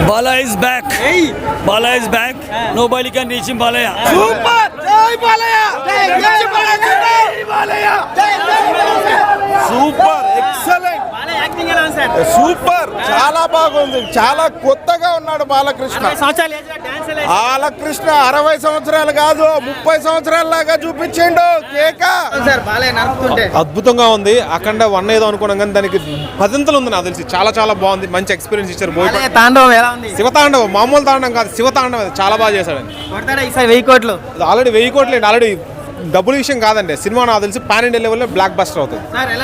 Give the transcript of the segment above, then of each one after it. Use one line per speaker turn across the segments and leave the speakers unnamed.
Bala is back. Bala is back. Nobody can reach him. Balaya.
Super! Jai Balaya! Jai Balaya! Super! Excellent! Super, చాలా బాగుంది. చాలా కొత్తగా ఉన్నాడు బాలకృష్ణ. బాలకృష్ణ 60 సంవత్సరాలు కాదు 30 సంవత్సరాల లాగా చూపించిండు.
అద్భుతంగా ఉంది. అఖండ 1 ఏదో అనుకున్నాం కానీ దానికి 10 ఉంది నాకు తెలిసి. చాలా చాలా బాగుంది. మంచి ఎక్స్పీరియన్స్ ఇచ్చారు. శివతాండవం మామూలు తాండవం కాదు, శివతాండవం. చాలా బాగా చేశాడు.
1000 కోట్లు
ఆల్రెడీ 1000 కోట్లు అండి. ఆల్రెడీ డబ్బుల విషయం కాదండి. సినిమా నాకు తెలిసి పాన్ ఇండియా లెవెల్లో బ్లాక్ బస్టర్ అవుతుంది.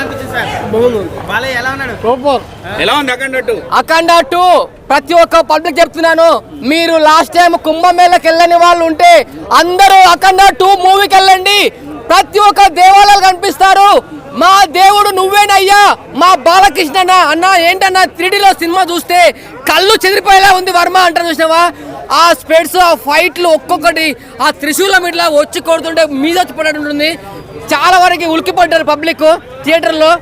అఖండ 2 ప్రతి ఒక్క పబ్లిక్ చెప్తున్నాను, మీరు లాస్ట్ టైం కుంభమేళకి వెళ్ళని వాళ్ళు ఉంటే అందరూ అఖండ 2 మూవీకి వెళ్ళండి. ప్రతి ఒక్క దేవాలయాలు కనిపిస్తారు. మా దేవుడు నువ్వేనయ్యా, మా బాలకృష్ణ అన్న ఏంటన్నా 3Dలో సినిమా చూస్తే కళ్ళు చెదిరిపోయేలా ఉంది వర్మ అంటారు. చూసినావా ఆ స్పెడ్స్, ఆ ఫైట్లు ఒక్కొక్కటి, ఆ త్రిశూలం ఇట్లా వచ్చి కొడుతుంటే మీద వచ్చి పడ్డట్టు ఉంటుంది. చాలా వరకు ఉలికిపడ్డారు పబ్లిక్ థియేటర్ లో.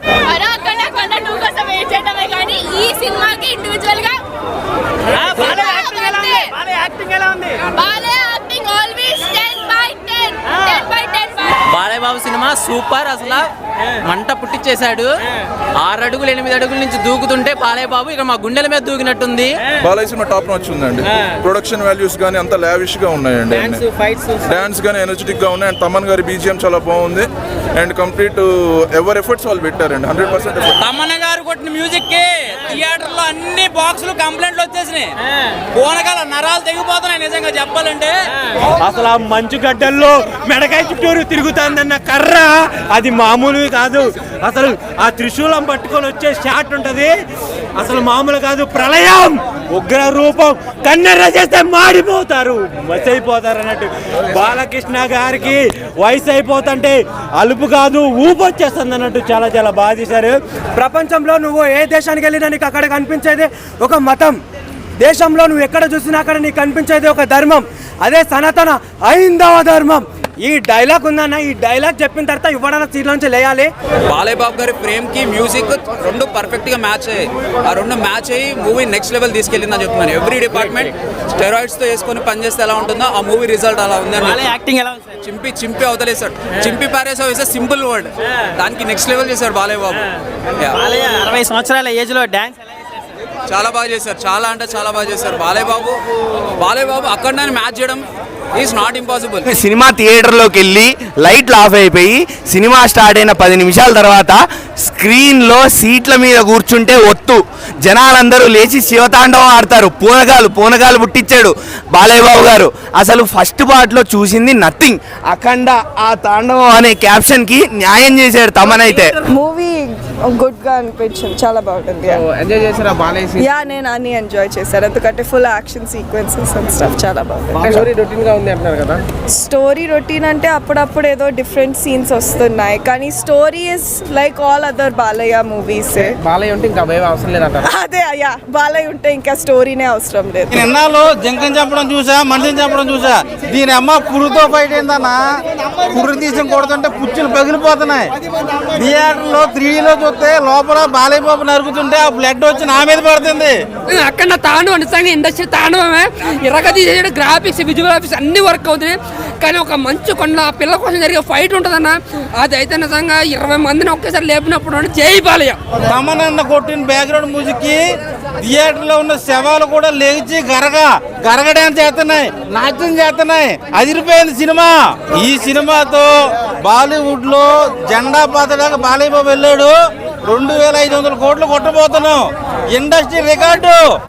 Balayya Babu cinema super. అసలు మంట పుట్టించేశాడు. 6 అడుగులు 8 అడుగుల నుంచి దూకుతుంటే బాలయ్య బాబు ఇక మా గుండెల మీద దూకినట్టుంది.
బాలయ్య సినిమా టాప్ నాచ్ ఉందండి. ప్రొడక్షన్ వాల్యూస్ గానీ అంత లావిష్ గా ఉన్నాయండి. డాన్స్ గానీ ఎనర్జెటిక్ గా ఉన్నాయి. అండ్ తమన్ గారి బీజిఎం చాలా బాగుంది. అండ్ కంప్లీట్ ఎవరి ఎఫర్ట్స్ వాళ్ళు పెట్టారండి. 100%
తమన్ గారు కొట్టిన మ్యూజిక్ కి థియేటర్ లో అన్ని బాక్సులు కంప్లైంట్లు వచ్చేసినాయి. పోనకాల నరాలు తెగిపోతున్నాయి నిజంగా చెప్పాలంటే.
అసలు ఆ మంచు గడ్డల్లో మెడకాయ చుట్టూరు తిరుగుతుందన్న కర్ర అది మామూలుగా కాదు. అసలు ఆ త్రిశూలం పట్టుకొని వచ్చే షాట్ ఉంటది, అసలు మామూలు కాదు. ప్రళయం, ఉగ్ర రూపం, కన్నెర్ర చేస్తే మాడిపోతారు, మసైపోతారు అన్నట్టు. బాలకృష్ణ గారికి వయసు అయిపోతుంటే అలుపు కాదు ఊపు వచ్చేస్తుంది అన్నట్టు. చాలా చాలా బాగా చేశారు.
ప్రపంచంలో నువ్వు ఏ దేశానికి వెళ్ళినా నీకు అక్కడ కనిపించేది ఒక మతం. దేశంలో నువ్వు ఎక్కడ చూసినా అక్కడ నీకు కనిపించేది ఒక ధర్మం. అదే సనాతన హైందవ ధర్మం. ఈ డైలాగ్ ఉందన్న, ఈ డైలాగ్ చెప్పిన తర్వాత ఇవ్వడానికి సీట్ నుంచి లేయాలి.
బాలయ్య బాబు గారి ఫ్రేమ్ కి మ్యూజిక్ రెండు పర్ఫెక్ట్ గా మ్యాచ్ అయ్యాయి. ఆ రెండు మ్యాచ్ అయ్యి మూవీ నెక్స్ట్ లెవెల్ తీసుకెళ్ళిందని చెప్తున్నాను. ఎవ్రీ డిపార్ట్మెంట్ స్టెరాయిడ్స్ తో వేసుకొని పనిచేస్తే ఎలా ఉంటుందో ఆ మూవీ రిజల్ట్ అలా ఉంది. చింపి అవతలేసాడు. చింపి పారేసా ఇస్ సింపుల్ వర్డ్. దానికి నెక్స్ట్ లెవెల్ చేశాడు బాలయ్య బాబు.
60 సంవత్సరాల ఏజ్ లో డాన్స్
చాలా బాగా చేశారు. చాలా అంటే చాలా బాగా చేశారు. బాలయ్య బాబు అక్కడ మ్యాచ్ చేయడం ఈజ్ నాట్ ఇంపాసిబుల్.
సినిమా థియేటర్లోకి వెళ్ళి లైట్లు ఆఫ్ అయిపోయి సినిమా స్టార్ట్ అయిన 10 నిమిషాల తర్వాత స్క్రీన్లో సీట్ల మీద కూర్చుంటే ఒత్తు జనాలందరూ లేచి శివతాండవం ఆడతారు. పూనగాలు పుట్టించాడు బాలయ్య బాబు గారు. అసలు ఫస్ట్ పార్ట్లో చూసింది నథింగ్. అఖండ ఆ తాండవం అనే క్యాప్షన్కి న్యాయం చేశాడు తమనైతే.
మూవీ గుడ్ గా అనిపించింది, చాలా బాగుంటుంది.
ఎంజాయ్ చేశారా బాలయ్య?
యా, నేను అన్ని ఎంజాయ్ చేశాను. ఎందుకంటే full action sequences and stuff చాలా బాగుంది.
స్టోరీ రొటీన్ గా ఉంది అంటున్నారు కదా.
స్టోరీ రొటీన్ అంటే అప్పుడప్పుడు ఏదో డిఫరెంట్ సీన్స్ వస్తున్నాయి, కానీ story is like all other Balayya movies.
Balayya ఉంటే ఇంకా భయం అవసరం లేదంటారు.
అదే అయ్యా, బాలయ్య ఉంటే ఇంకా స్టోరీనే అవసరం లేదు.
ఎన్నాళ్ళు జంకని చంపడం చూసా, మనిషిని చంపడం చూసా. దీని అమ్మ పురుగుతో ఫైట్ ఏందన్నా, పురుగు తీసి కొడుతుంటే పుచ్చులు పగిలిపోతున్నాయి. థియేటర్లో 3Dలో చూస్తే లోపల బాలయ్య బాబు నరుగుతుంటే ఆ బ్లడ్ వచ్చి నా మీద పడుతుంది.
అక్కడ తాండవం నిజంగా ఇండస్ట్రీ తాండవమే. ఇరగది గ్రాఫిక్స్, విజువల్ అన్ని వర్క్ అవుతుంది. కానీ ఒక మంచు కొండ పిల్లల కోసం జరిగే ఫైట్ ఉంటుందన్న, అది అయితే నిజంగా 20 మందిని ఒకేసారి లేపినప్పుడు జై బాలయ్య.
తమనన్న కొట్టిన బ్యాక్గ్రౌండ్ మ్యూజిక్ కి థియేటర్లో ఉన్న శవాలు కూడా లేచి గరగ డాన్స్ చేస్తున్నాయి, నాట్యం చేస్తున్నాయి. అదిరిపోయింది సినిమా. ఈ సినిమాతో బాలీవుడ్ లో జెండా పాతడానికి బాలయ్య బాబు వెళ్ళాడు. 2500 కోట్లు కొట్టబోతున్నాం. Industry record.